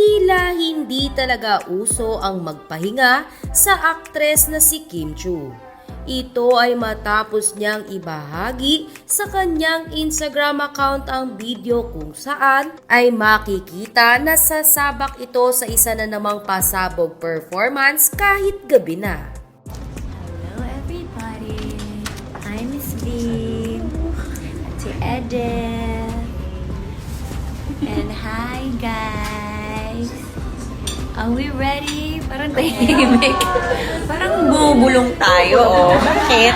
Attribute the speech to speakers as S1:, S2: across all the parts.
S1: tila hindi talaga uso ang magpahinga sa aktres na si Kim Chiu. Ito ay matapos niyang ibahagi sa kanyang Instagram account ang video kung saan ay makikita na sasabak ito sa isa na namang pasabog performance kahit gabi na.
S2: Hello everybody, I'm Miss Beam, Ate Edith, and hi guys. Are we ready? Parang tahimik. Parang bubulong tayo, oh. Bakit?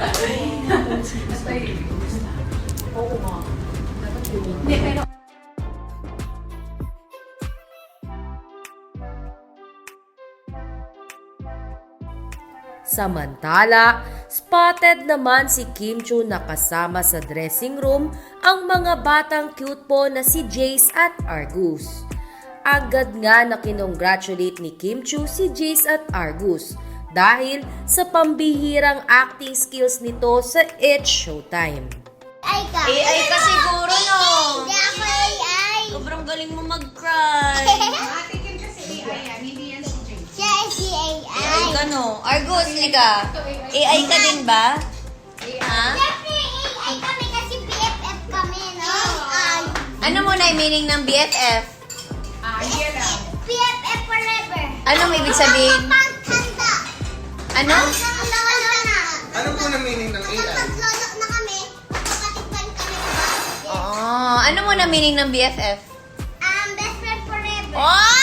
S1: Samantala, spotted naman si Kim Chiu na kasama sa dressing room ang mga batang cute po na si Jace at Argus. Agad nga na kinongratulate ni Kim Chiu si Jace at Argus dahil sa pambihirang acting skills nito sa It's Showtime.
S2: AI ka siguro, no?
S3: Hindi ako AI.
S2: Sobrang galing mo mag-cry.
S4: Ate Kim kasi AI yan, hindi yan si James.
S3: Siya ay si AI.
S2: AI ka, no? Argus, lika. AI ka din ba? Ha?
S3: Siyempre AI kami kasi BFF kami, no?
S2: Ano muna yung meaning ng BFF?
S4: Yan lang.
S3: BFF forever.
S2: Anong ibig sabihin?
S3: Pagtanda.
S2: Ano?
S3: Lolo na.
S5: Ano po na meaning ng AI?
S3: Kapag lolo na kami, kapatid kami ba?
S2: Oh, ano muna meaning ng BFF?
S3: Best friend forever.
S2: Oh!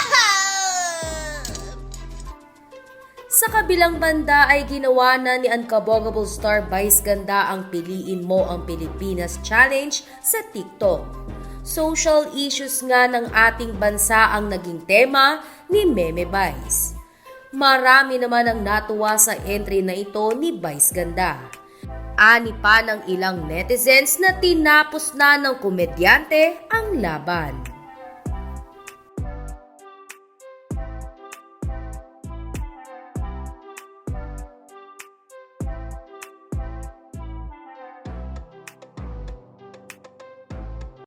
S1: Sa kabilang banda ay ginawa na ni Unkabogable star Vice Ganda ang Piliin Mo ang Pilipinas Challenge sa TikTok. Social issues nga ng ating bansa ang naging tema ni Meme Vice. Marami naman ang natuwa sa entry na ito ni Vice Ganda. Ani pa ng ilang netizens na tinapos na ng komedyante ang laban.